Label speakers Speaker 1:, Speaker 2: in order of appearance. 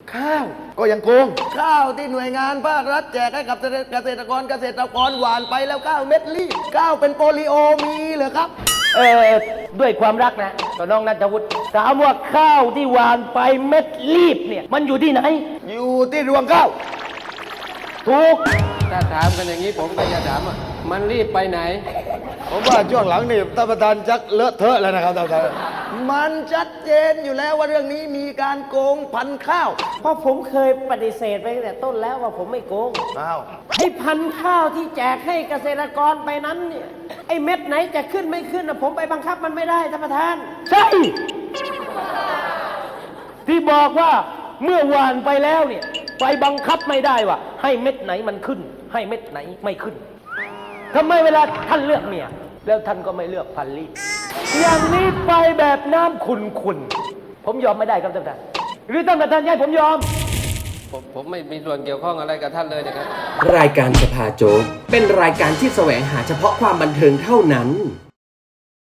Speaker 1: ข้าวก็ยังโกงข้าวที่หน่วยงานภาครัฐแจกให้กับเกษตรกรหวานไปแล้วข้าวเม็ดรีบข้าวเป็นโปลิโอมีเหรอครับ
Speaker 2: ด้วยความรักนะต่อน้องนัทวุฒิถามว่าข้าวที่หวานไปเม็ดรีบเนี่ยมันอยู่ที่ไหน
Speaker 1: อยู่ที่รวงข้าว
Speaker 2: ถูก
Speaker 3: ถ้าถามกันอย่างนี้ผมก็จะถามว่ามันรีบไปไหน
Speaker 1: ผมว่าช่วงหลังนี่ท่านประธานชักเลอะเทอะแล้วนะครับท่านประธานมันชัดเจนอยู่แล้วว่าเรื่องนี้มีการโกงพันธุ์ข้าว
Speaker 2: เพราะผมเคยปฏิเสธไปตั้งแต่ต้นแล้วว่าผมไม่โกง
Speaker 1: อ้าว
Speaker 2: ไอ้พันธุ์ข้าวที่แจกให้เกษตรกรไปนั้นเนี่ยไอ้เม็ดไหนจะขึ้นไม่ขึ้นนะผมไปบังคับมันไม่ได้ท่านประธานใช่ที่บอกว่าเมื่อหวานไปแล้วเนี่ยไปบังคับไม่ได้ว่าให้เม็ดไหนมันขึ้นให้เม็ดไหนไม่ขึ้นทำไมเวลาท่านเลือกเมียแล้วท่านก็ไม่เลือกพันลีอย่างนี้ไปแบบน้ำขุ่นๆผมยอมไม่ได้ครับท่านประธานหรือท่านประธานให้ผมยอม
Speaker 3: ผมไม่มีส่วนเกี่ยวข้องอะไรกับท่านเลยนะครับ
Speaker 4: รายการสภาโจ๊กเป็นรายการที่แสวงหาเฉพาะความบันเทิงเท่านั้น